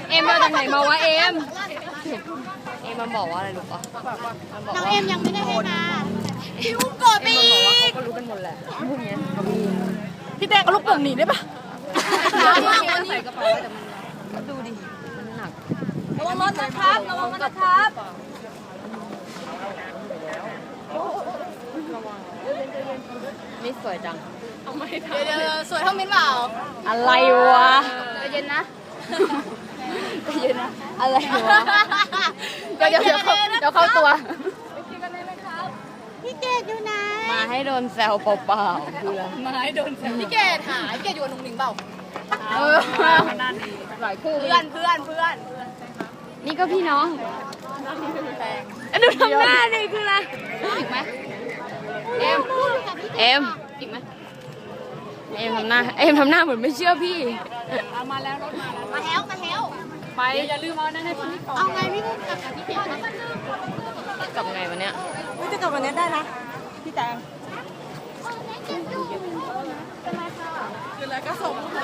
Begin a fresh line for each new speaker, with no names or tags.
เอ็มมาจากไหนมาวะเอ็มมันบอกว่าอะไรรู้ปะ
น้องเอ็มยังไม่ได้ให้มาพี่อุ้มกดไปอีก
เขารู้กันหมดแหละพวกนี้
พี่แดงเอาลูกโป่งหนีได้ปะ
ใส่กระเป๋าแต่มันดูดิมันหนัก
ระวังรถนะครับระวังรถนะครับ
นี่สวยจัง
เดี๋ยวสวยเท่ามิ้นเปล่า
อะไรวะ
ใจเย็นนะ
อะไรวะเดี๋ยวเข้าตัว
พี่เกดอยู่ไหน
มาให้โดนแซวเปล่าๆคืออะไร
มาให้โดนแซวพี่เกดหาพี่เกดอยู่กับนุ่งหนิงเปล่า
นั่นดีหลายคู่
เพื่อน
นี่ก็พี่น้องดูทำหน้าดิคืออะไรอีกไหมเอ็มอีกไหมเอ็มทำหน้าเหมือนไม่เชื่อพี่
มาแล้วไปอย่าลืมเอานั่นให้พี่ก่อนเอาไงพี่พุ่งกลับกับพี่เกด
กลับไงวันเนี้ย
จะกลับวันนี้ได้นะพี่แตงคืออะไรก็ส่ง